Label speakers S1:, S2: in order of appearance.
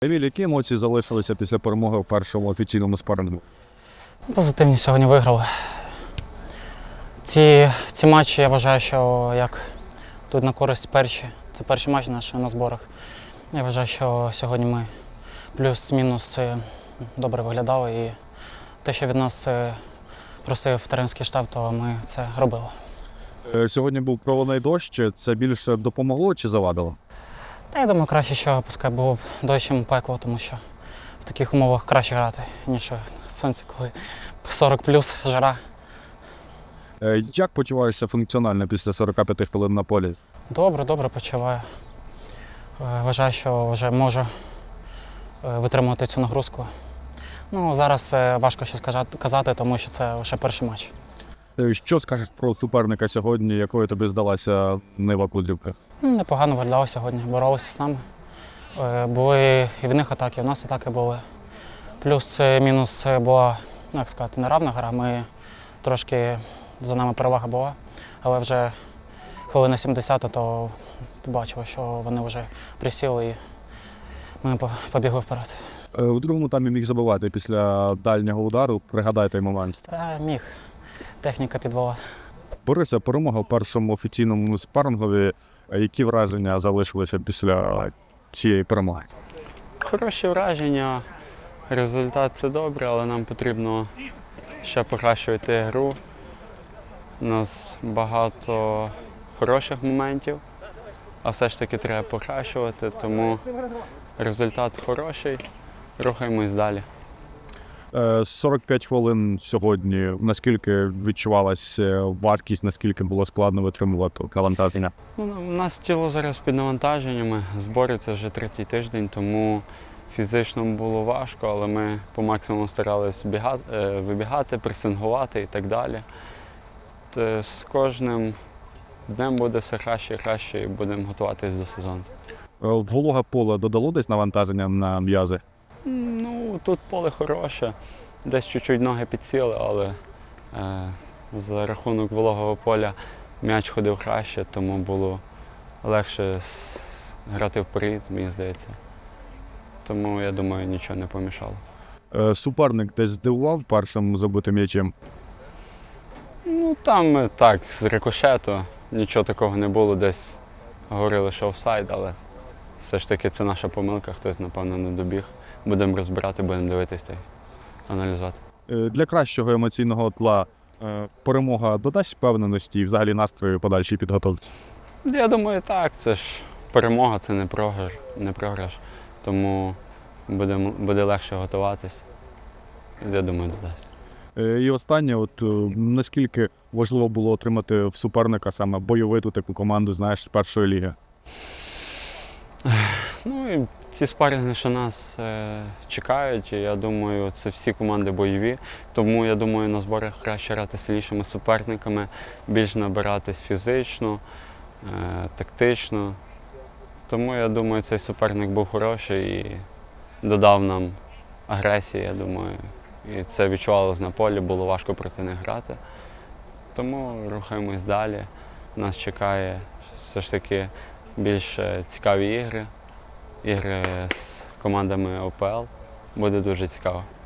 S1: Еміль, які емоції залишилися після перемоги в першому офіційному спарингу?
S2: Позитивні сьогодні виграли. Ці матчі, я вважаю, що як тут на користь перші. Це перший матч наш на зборах. Я вважаю, що сьогодні ми плюс-мінус добре виглядали. І те, що від нас просив тренерський штаб, то ми це робили.
S1: Сьогодні був проливний дощ. Це більше допомогло чи завадило?
S2: Та я думаю, краще, що пускай було б дощ, чим пекло, тому що в таких умовах краще грати, ніж сонце, коли 40 плюс жара.
S1: Як почуваєшся функціонально після 45 хвилин на полі?
S2: Добре почуваю. Вважаю, що вже можу витримувати цю нагрузку. Зараз важко щось казати, тому що це лише перший матч.
S1: Що скажеш про суперника сьогодні, якою тобі здалася Нива Кудрівка?
S2: Непогано виглядали сьогодні, боролися з нами. Були і в них атаки, і в нас атаки були. Плюс-мінус була, як сказати, неравна гра. Ми трошки за нами перевага була, але вже хвилина 70, то побачили, що вони вже присіли і ми побігли вперед.
S1: У другому таймі міг забивати після дальнього удару. Пригадай той момент.
S2: Та міг. Техніка підвела.
S1: Бориса, перемога в першому офіційному спарингові. Які враження залишилися після цієї перемоги?
S3: Хороші враження. Результат – це добре, але нам потрібно ще покращувати гру. У нас багато хороших моментів, а все ж таки треба покращувати, тому результат хороший, рухаємось далі.
S1: 45 хвилин сьогодні. Наскільки відчувалася важкість, наскільки було складно витримувати навантаження?
S3: У нас тіло зараз під навантаженнями, збори – це вже третій тиждень, тому фізично було важко, але ми по максимуму старалися вибігати, пресингувати і так далі. З кожним днем буде все краще і краще, і будемо готуватися до сезону.
S1: Вологе поле додало десь навантаження на м'язи?
S3: Тут поле хороше, десь чуть-чуть ноги підсіли, але за рахунок вологого поля м'яч ходив краще, тому було легше грати вперед, мені здається. Тому, я думаю, нічого не помішало.
S1: Суперник десь здивував першим забитим м'ячем?
S3: Там так, з рикошету, нічого такого не було, десь говорили, що офсайд, але все ж таки це наша помилка, хтось, напевно, не добіг. Будемо розбирати, будемо дивитися та аналізувати.
S1: Для кращого емоційного тла перемога додасть впевненості і взагалі настрою подальшій підготовці?
S3: Я думаю, так. Це ж перемога, це не програш. Тому буде легше готуватись. Я думаю, додасть.
S1: І останнє, наскільки важливо було отримати в суперника саме бойовиту таку команду, знаєш, з першої ліги?
S3: І ці спарринги, що нас чекають, я думаю, це всі команди бойові. Тому, я думаю, на зборах краще грати з сильнішими суперниками, більш набиратись фізично, тактично. Тому, я думаю, цей суперник був хороший і додав нам агресії, я думаю. І це відчувалось на полі, було важко проти них грати. Тому рухаємось далі. Нас чекає все ж таки більш цікаві ігри з командами ОПЛ. Буде дуже цікаво.